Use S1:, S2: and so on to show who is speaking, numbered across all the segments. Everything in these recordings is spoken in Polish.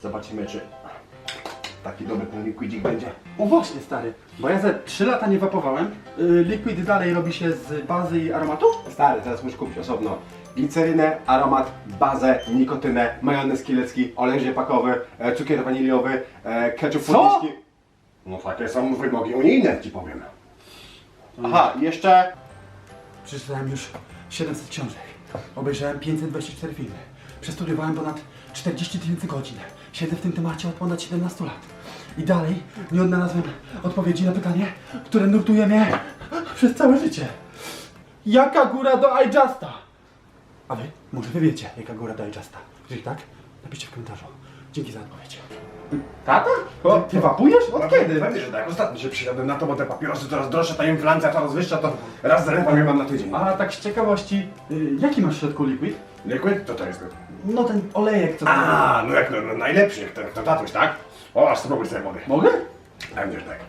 S1: Zobaczymy, czy taki dobry ten liquidzik będzie.
S2: O właśnie, stary, bo ja ze 3 lata nie wapowałem. Liquid dalej robi się z bazy i aromatu?
S1: Stary, teraz musisz kupić osobno glicerynę, aromat, bazę, nikotynę, majonez kielecki, olej rzepakowy, cukier waniliowy, ketchup
S2: Co?
S1: podniczki. No takie są wymogi unijne, ci powiem. Aha, jeszcze...
S2: Przeczytałem już 700 książek. Obejrzałem 524 filmy. Przestudiowałem ponad 40 000 godzin. Siedzę w tym temacie od ponad 17 lat. I dalej nie odnalazłem odpowiedzi na pytanie, które nurtuje mnie przez całe życie. Jaka góra do iJusta? A wy? Może wy wiecie, jaka góra do iJusta? Jeżeli tak, napiszcie w komentarzu. Dzięki za odpowiedź. Tata? Ty wapujesz? Od kiedy?
S1: Pewnie, że tak. Ostatnio się przysiadłem na to, bo te papierosy coraz droższe, ta inflacja coraz wyższa, to raz zerwam je mam na tydzień.
S2: A tak z ciekawości, jaki masz w środku liquid?
S1: Liquid? To jest...
S2: No ten olejek, co
S1: A, no jak no, najlepszy, jak to tatuś, tak? O, aż spróbuj sobie wody.
S2: Mogę?
S1: Będziesz tak.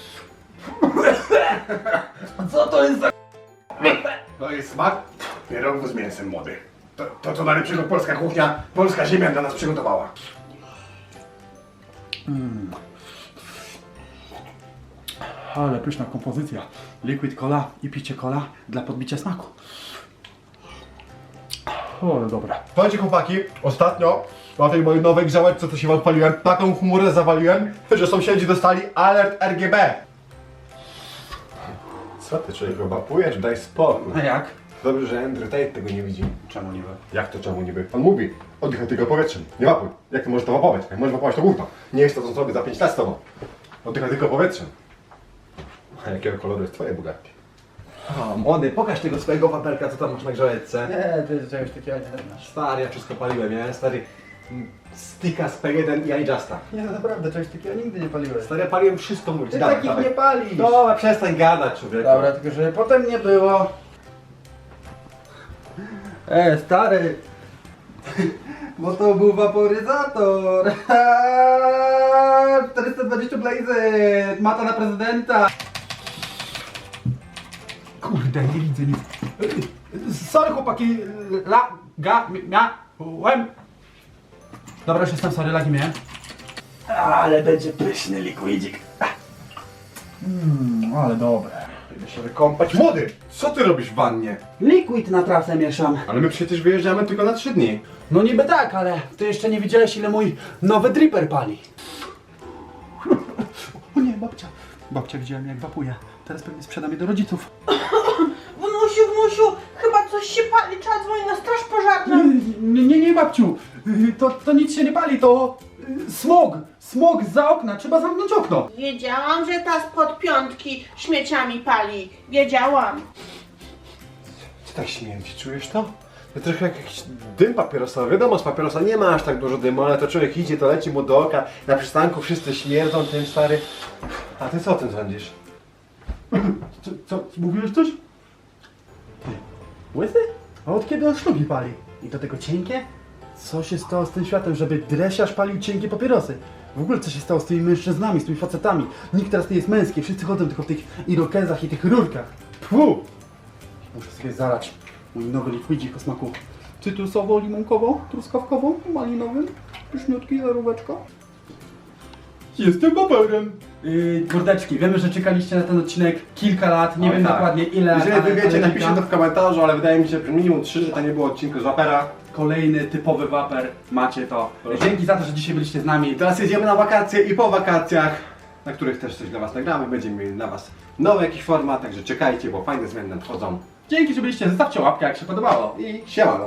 S2: Co to jest za...
S1: To jest smak pierogów z mięsem, młody. To co najlepszego polska kuchnia, polska ziemia dla nas przygotowała.
S2: Ale pyszna kompozycja. Liquid cola i picie cola dla podbicia smaku. O, ale dobra.
S1: Słuchajcie chłopaki, ostatnio na tej mojej nowej grzałeczce, co się wam paliłem, taką chmurę zawaliłem, że sąsiedzi dostali alert RGB. Co ty człowiek wapujesz? Daj spokój.
S2: A jak?
S1: Dobrze, że Andrew Tate tego nie widzi.
S2: Czemu nie?
S1: Jak to czemu niby? On mówi, oddychaj tylko powietrzem, nie wapuj. Jak ty możesz to wapować? Jak możesz wapować to gówno. Nie jest to, co zrobię za 5 lat z tobą. Oddychaj tylko powietrzem. A jakiego koloru jest twoje Bugatti? O, młody, pokaż tego swojego wapelka, co tam masz na grzałeczce.
S2: Nie, ty czegoś takiego nie masz.
S1: Stary, ja wszystko paliłem, ja stary sticka z P1 i iJusta.
S2: Nie, no naprawdę, czegoś takiego nigdy nie paliłeś.
S1: Stary, ja paliłem wszystko, mówić.
S2: Ty takich nie palisz.
S1: Dobra, przestań gadać, człowieku.
S2: Dobra, tylko że potem nie było. Stary. Bo to był waporyzator. 420 blazy. Mata na prezydenta. Kurde, nie widzę nic. Sorry chłopaki, miałem. Dobra, już jestem, sorry, lagi miałem. Ale będzie pyszny liquidzik. Ale dobre.
S1: Idę się wykąpać. Młody, co ty robisz w wannie?
S2: Liquid na trasę mieszam.
S1: Ale my przecież wyjeżdżamy tylko na 3 dni.
S2: No niby tak, ale ty jeszcze nie widziałeś, ile mój nowy dripper pali. O nie, babcia. Babcia widziałem, jak wapuje. Teraz pewnie sprzedam je do rodziców.
S3: Wnusiu, chyba coś się pali, trzeba dzwonić na straż pożarną.
S2: Nie, babciu. To nic się nie pali, to smog. Smog za okna, trzeba zamknąć okno.
S3: Wiedziałam, że ta spod piątki śmieciami pali. Wiedziałam.
S1: Co tak śmierdzi, czujesz to? To trochę jak jakiś dym papierosowy. Wiadomo, z papierosa nie ma aż tak dużo dymu, ale to człowiek idzie, to leci mu do oka. Na przystanku wszyscy śmierdzą tym, stary. A ty co o tym sądzisz?
S2: Co, mówiłeś coś? Ty, łysy? A od kiedy on szlugi pali? I do tego cienkie? Co się stało z tym światem, żeby dresiarz palił cienkie papierosy? W ogóle co się stało z tymi mężczyznami, z tymi facetami? Nikt teraz nie jest męski, wszyscy chodzą tylko w tych irokezach i tych rurkach. Pfu! Muszę sobie zalać mój nowy liquidzik o smaku cytrusowo-limonkowo-truskawkowo-malinowym. Pyszniutki, zaróweczka. Jestem waperem. Kurdeczki, wiemy, że czekaliście na ten odcinek kilka lat, nie
S1: Oj,
S2: wiem
S1: tak.
S2: dokładnie ile.
S1: Jeżeli wy wiecie, napiszcie to w komentarzu, ale wydaje mi się, że minimum 3, że to nie było odcinku z Wapera.
S2: Kolejny typowy waper, macie to.
S1: Proszę.
S2: Dzięki za to, że dzisiaj byliście z nami.
S1: I teraz jedziemy na wakacje i po wakacjach, na których też coś dla was nagramy. Będziemy mieli dla was nowy jakiś format, także czekajcie, bo fajne zmiany nadchodzą.
S2: Dzięki, że byliście, zostawcie łapkę jak się podobało.
S1: I siemano.